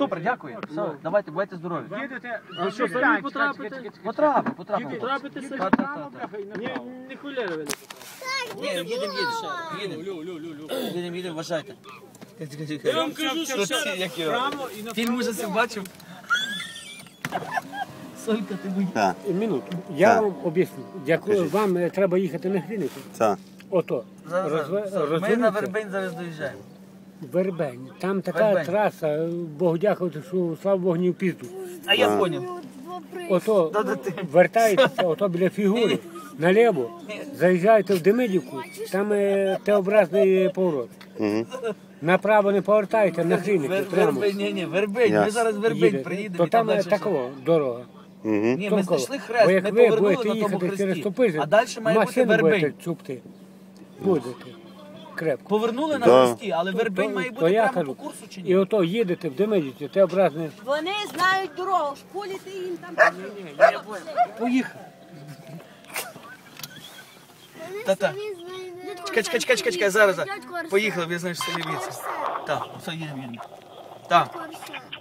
Супер, дякую. Все, давайте, бувайте здорові. Їдете, А що, самі потрапите? Потрапимо. Потрапите самі? Не хуляри ви не Ні, їдемо, вважайте. Я вам кажу, що прямо і на Фільм ужасів бачив. Солька, ти будь. Минуту. Я вам об'ясню. Як вам треба їхати на Гріницю, ото, Ми на розвернуться. Вербень зараз доїжджаємо. Вербень. Там така Вербень. траса, Богу дякувати, що слава Богу, не в пізду. А я поняв. Ото вертаєтеся, ото біля фігури, наліво, заїжджаєте в Демидівку, там Т-образний поворот. Направо не повертаєте, на Гріницю, прямо. Вербень. Ми зараз Вербень приїдемо. То і там там далі такова дорога. Ні, ми знайшли Бо хрест, як ми ви повернули будете на тому їхати через хресті. Топизин, А далі має бути машину Вербень. будете чупти. Будете. Крепко. Повернули на хресті, але Вербень має То бути я прямо кажу, по курсу чи і ні? ото їдете в Демидівці, Т-образний. Вони знають дорогу, школіти їм там. Поїхали. Та-та. Чекай, зараз. Поїхали, ви знаєш, селі віці. Так, все, їдемо. Так.